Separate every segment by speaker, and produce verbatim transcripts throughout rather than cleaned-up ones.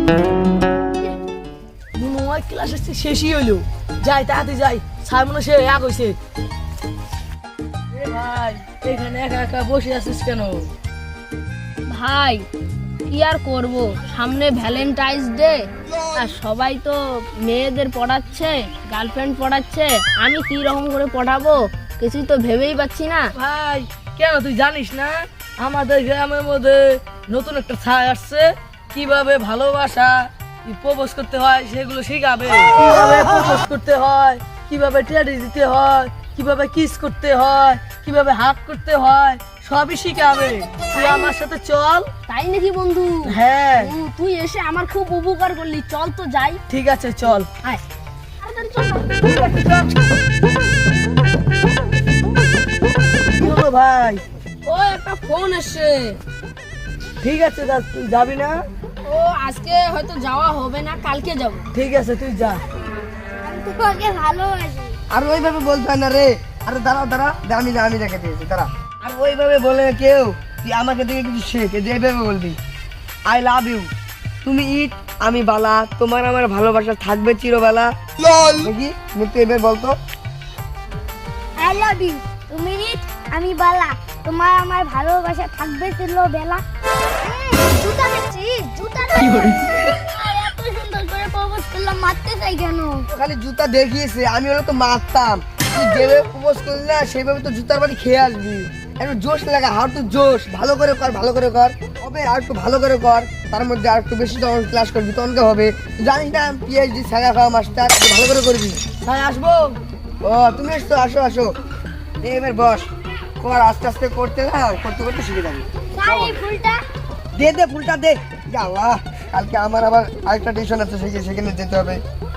Speaker 1: মনে হয় ক্লাস শেষই হইলো, যাই তাড়াতাড়ি যাই, স্যার মনে সে এক হয়েছে। ভাই এখানে একা একা বসে আছিস কেন?
Speaker 2: ভাই কি আর করব, সামনে ভ্যালেন্টাইন্স ডে, আর সবাই তো মেয়েদের পড়াচ্ছে, গার্লফ্রেন্ড পড়াচ্ছে, আমি কি রকম করে পড়াবো কিছুই তো ভেবেই পাচ্ছি না।
Speaker 1: ভাই কেন তুই জানিস না আমাদের গ্রামের মধ্যে নতুন একটা ছায় আসছে, কিভাবে ভালোবাসা প্রপোজ করতে হয় সেগুলো শিখাবে, কিভাবে প্রপোজ করতে হয়, কিভাবে টেডি দিতে হয়, কিভাবে কিস করতে হয়, কিভাবে হাগ করতে হয়, সবই শিখাবে। তুই আমার সাথে চল।
Speaker 2: তাই নাকি বন্ধু?
Speaker 1: হ্যাঁ
Speaker 2: ও, তুই এসে আমার খুব উপকার করলি, চল তো যাই।
Speaker 1: ঠিক আছে চল।
Speaker 2: আয় তাড়াতাড়ি চল।
Speaker 1: কি হলো ভাই?
Speaker 2: ও একটা ফোন আসছে।
Speaker 1: ঠিক আছে দাস, তুই যাবি না?
Speaker 2: ও আজকে হয়তো যাওয়া হবে না, কালকে যাব।
Speaker 1: ঠিক আছে তুই যা।
Speaker 2: আমি তোমাকে ভালোবাসি।
Speaker 3: আর ওইভাবে বলতে হয় না রে। আরে দাঁড়াও দাঁড়া, আমি আমি রেখে দিয়েছি দাঁড়া। আর ওইভাবে বলে না কেউ, তুই আমাকে দেখে কিছু শেখ, যে এইভাবে বলবি আই লাভ ইউ, তুমি ইট আমি বালা, তোমার আমার ভালোবাসা থাকবে চিরবেলা। দেখি মৃত্যু এবার বলতো।
Speaker 4: আই লাভ ইউ, তুমি রিট আমি বালা, তোমার আমার ভালোবাসা থাকবে চিরবেলা। জুতা দেখছিস? জুতা এত সুন্দর করে প্রপোজ করলাম, মারতে চাই কেন?
Speaker 3: তো খালি জুতা দেখিয়েছে, আমি হলে তো মারতাম। তুই যেভাবে প্রপোজ করলি না সেইভাবে তো জুতার বাড়ি খেয়ে আসবি। একটু জোশ লাগা, হার তো জোশ, ভালো করে কর, ভালো করে কর হবে, আর একটু ভালো করে কর, তার মধ্যে আর একটু বেশি তখন ক্লাস করবি, তখনকে হবে। তুই জানিস না পিএইচডি ছাগা খাওয়া মাস্টার, ভালো করে করবি।
Speaker 1: ভাই আসবো?
Speaker 3: ও তুমি এসছো, আসো আসো, এই এবার বস, কর আস্তে আস্তে করতে না, করতে করতে শিখে যাবি।
Speaker 4: স্যার এই ফুলটা
Speaker 3: দে দে ফুলটা দে। ইয়া আল্লাহ, কালকে আমার আবার আরেকটা টিউশন আছে, সেখানে সেখানে যেতে হবে।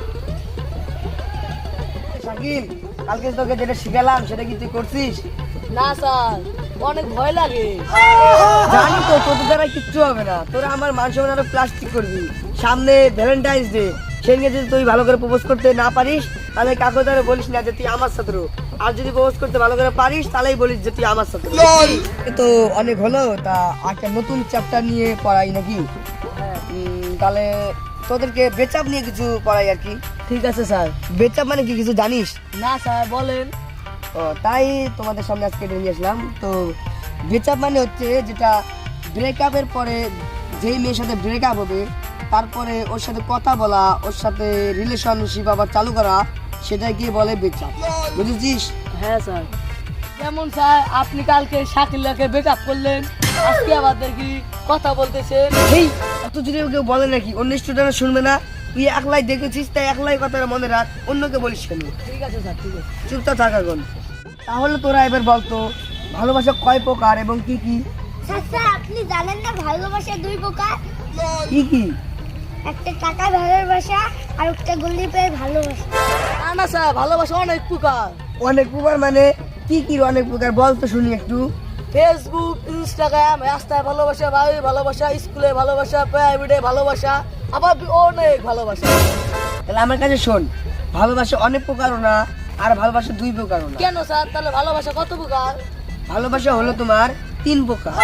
Speaker 3: শাকিল, কালকে তোকে যেটা শিখালাম সেটা কি তুই করছিস?
Speaker 1: না স্যার, অনেক ভয় লাগে।
Speaker 3: জানি তো তোদের দ্বারা কিচ্ছু হবে না, তোরা আমার মান সম্মান আরো প্লাস্টিক করবি। সামনে ভ্যালেন্টাইন্স ডে, সেদিনকে যদি তুই ভালো করে প্রপোজ করতে না পারিস তাহলে কাকু দ্বারা বলিস না যে তুই আমার ছাত্র, আর যদি প্রপোজ করতে ভালো করে পারিস তাহলেই বলিস যে তুই আমার ছাত্র। এ তো অনেক হলো, তা একটা নতুন চ্যাপ্টার নিয়ে পড়াই নাকি? উম, তাহলে তোদেরকে বেচাপ নিয়ে কিছু পড়াই আর কি।
Speaker 1: ঠিক আছে স্যার।
Speaker 3: বেচাপ মানে কি কিছু জানিস?
Speaker 1: না স্যার বলেন।
Speaker 3: ও তাই তোমাদের সামনে আজকে এটা নিয়ে আসলাম। তো ব্রেকআপ মানে হচ্ছে যেটা ব্রেকআপের পরে যেই মেয়ের সাথে ব্রেকআপ হবে তারপরে ওর সাথে কথা বলা, ওর সাথে রিলেশনশিপ আবার চালু করা, সেটাকে বলে ব্রেকআপ। বুঝেছিস?
Speaker 1: হ্যাঁ স্যার। যেমন স্যার আপনি কালকে শাকিলাকে ব্রেকআপ করলেন, আজকে আবার দেখি কথা বলতেছেন।
Speaker 3: এই অত যদি কেউ বলে নাকি, অন্য স্টুডেন্ট শুনবে না। তুই একলাই দেখেছিস তাই একলাই কথাটা মনে রাখ, অন্যকে বলিস কেন?
Speaker 1: ঠিক আছে স্যার, ঠিক আছে।
Speaker 3: চুপচাপ থাকা কোন। তাহলে তোরা এবার বলতো ভালোবাসা কয় প্রকার এবং কি কি?
Speaker 4: স্যার স্যার আপনি জানেন না ভালোবাসা দুই প্রকার?
Speaker 3: কি কি?
Speaker 4: একটা টাকা ভালোবাসা আর একটা গল্লি পেয়ে ভালোবাসা।
Speaker 1: না না স্যার, ভালোবাসা অনেক প্রকার।
Speaker 3: অনেক প্রকার মানে কি কি অনেক প্রকার বল তো শুনি একটু।
Speaker 1: ফেসবুক, ইনস্টাগ্রাম, রাস্তায় ভালোবাসা, বাড়ির ভালোবাসা, স্কুলে ভালোবাসা, প্রাইভেটে ভালোবাসা, আবার অনেক ভালোবাসা।
Speaker 3: তাহলে আমার কাছে শোন, ভালোবাসা অনেক প্রকারও না আর ভালোবাসা দুই প্রকারও না।
Speaker 1: কেন স্যার, তাহলে ভালোবাসা কত প্রকার?
Speaker 3: ভালোবাসা হলো তোমার তিন প্রকার।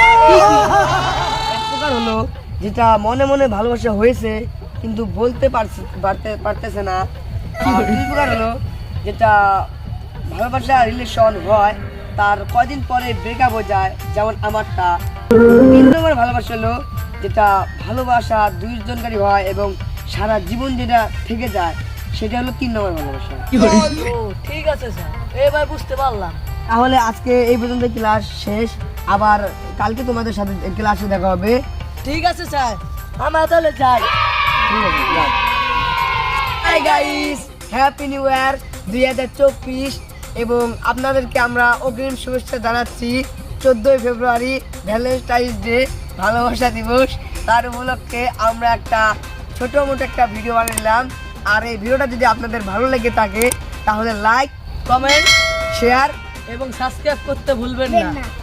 Speaker 3: এক প্রকার হলো যেটা মনে মনে ভালোবাসা হয়েছে কিন্তু বলতে পারছে পারতে পারতেছে না। আর দুই প্রকার হলো যেটা ভালোবাসা রিলেশন হয় তার কয়দিন পরে ব্রেকআপ হয়ে যায়, যেমন আমারটা। তিন নম্বর ভালোবাসা হলো যেটা ভালোবাসা দুইজনকারী হয় এবং সারা জীবন যেটা থেকে যায়, সেটা হলো তিন নম্বর ভালোবাসা।
Speaker 1: ও ঠিক আছে স্যার, এবার বুঝতে পারলাম।
Speaker 3: তাহলে আজকে এই পর্যন্ত ক্লাস শেষ, আবার কালকে তোমাদের সাথে ক্লাসে দেখা হবে।
Speaker 1: ঠিক আছে স্যার, আমরা তাহলে যাই।
Speaker 3: ঠিক আছে, যাও। Hi guys, happy new year দুই হাজার চব্বিশ, এবং আপনাদেরকে আমরা অগ্রিম শুভেচ্ছা জানাচ্ছি চোদ্দোই ফেব্রুয়ারি ভ্যালেন্টাইন্স ডে, ভালোবাসা দিবস। তার উপলক্ষে আমরা একটা ছোটো মোটো একটা ভিডিও বানালাম। আর এই ভিডিওটা যদি আপনাদের ভালো লেগে থাকে তাহলে লাইক,
Speaker 1: কমেন্ট,
Speaker 3: শেয়ার
Speaker 1: এবং সাবস্ক্রাইব করতে ভুলবেন না।